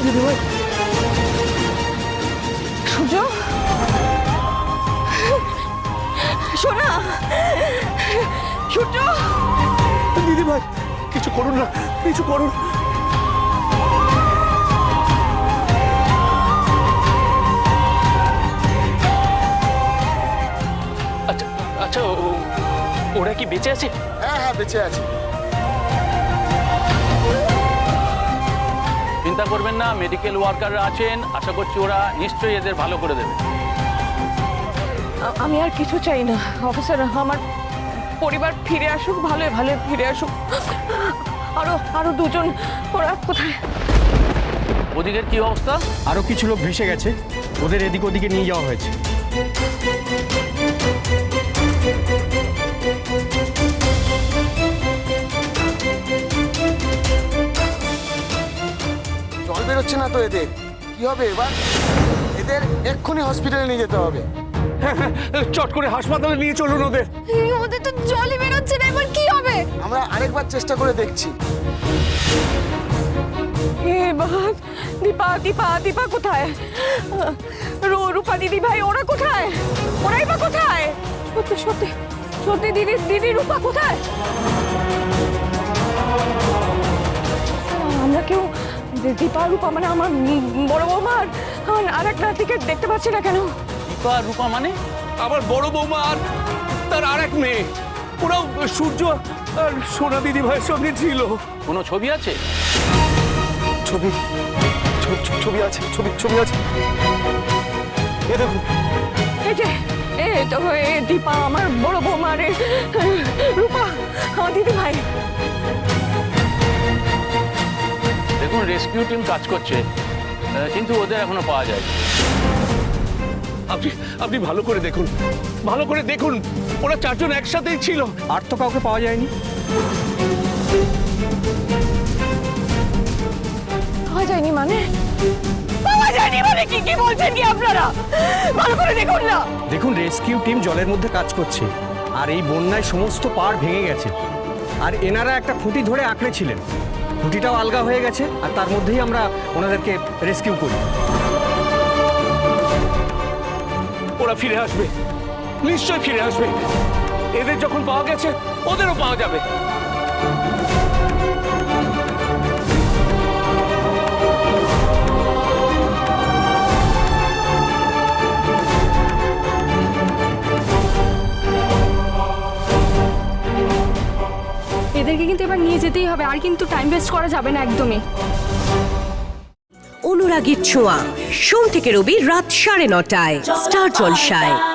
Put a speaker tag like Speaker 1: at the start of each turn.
Speaker 1: দিদিভাই,
Speaker 2: সূর্য, সোনা, সূর্য,
Speaker 1: দিদিভাই কিছু করুন না, কিছু করুন।
Speaker 3: আচ্ছা আচ্ছা, ওরা কি বেঁচে আছে?
Speaker 4: হ্যাঁ হ্যাঁ, বেঁচে আছে।
Speaker 3: চিন্তা করবেন না, মেডিকেল ওয়ার্কাররা আছেন, আশা করছি ওরা নিশ্চয়ই এদের ভালো করে দেবে।
Speaker 2: আমি আর কিছু চাই না অফিসার, আমার পরিবার ফিরে আসুক, ভালো ভালো ফিরে আসুক। আরো দুজন, ওরা কোথায়?
Speaker 3: ওদিকের কি অবস্থা?
Speaker 5: আরো কিছু লোক ভেসে গেছে, ওদের এদিক ওদিকে নিয়ে যাওয়া হয়েছে।
Speaker 4: জল বেরোচ্ছে না তো এদের, কি হবে এবার? এদের এক্ষুনি হসপিটালে নিয়ে যেতে হবে।
Speaker 1: চট করে হাসপাতালে নিয়ে চলুন ওদের।
Speaker 2: ওদের তো জলই বেরোচ্ছে না, এবার কি হবে?
Speaker 4: আমরা আরেকবার চেষ্টা করে দেখছি।
Speaker 2: দীপা কোথায়? রূপা দিদি ভাই ওরা কোথায়? ওরাই বা কোথায়? সত্যি দিদি রূপা কোথায়? আমরা কেউ দীপা রূপা মানে আমার বড় বৌমার আর এক নাতিকে দেখতে পাচ্ছি না কেন?
Speaker 3: দীপা রূপা মানে?
Speaker 1: আমার বড় বৌমা আর তার আরেক মেয়ে, ওরাও সূর্য আর সোনা দিদিভাইয়ের সঙ্গে ছিল।
Speaker 3: কোনো ছবি আছে?
Speaker 1: ছবি আছে, ছবি আছে। এ দেখুন,
Speaker 2: এই যে তো দীপা আমার বড় বৌমা, রে রূপা আমার দিদি ভাই।
Speaker 3: দেখুন, রেস্কিউ টিম কাজ করছে, কিন্তু ওদের এখনো পাওয়া যায়।
Speaker 1: আপনি ভালো করে দেখুন, ওরা চারজন একসাথেই ছিল।
Speaker 5: আর তো কাউকে পাওয়া যায়নি।
Speaker 2: পাওয়া যায়নি মানে কি বলছেন কি আপনারা? ভালো করে দেখুন না।
Speaker 5: দেখুন, রেস্কিউ টিম জলের মধ্যে কাজ করছে, আর এই বন্যায় সমস্ত পাড় ভেঙে গেছে, আর এনারা একটা খুঁটি ধরে আঁকড়েছিলেন, খুঁটিটাও আলগা হয়ে গেছে, আর তার মধ্যেই আমরা ওনাদেরকে রেস্কিউ করি।
Speaker 1: ওরা ফিরে আসবে, নিশ্চয় ফিরে আসবে। এদের যখন পাওয়া গেছে ওদেরও পাওয়া যাবে।
Speaker 6: এদেরকে কিন্তু এবার নিয়ে যেতেই হবে, আর কিন্তু টাইম ওয়েস্ট করা যাবে না একদমই।
Speaker 7: অনুরাগীর ছোঁয়া, সোম থেকে রবি রাত 9:30টায় স্টার জলসায়।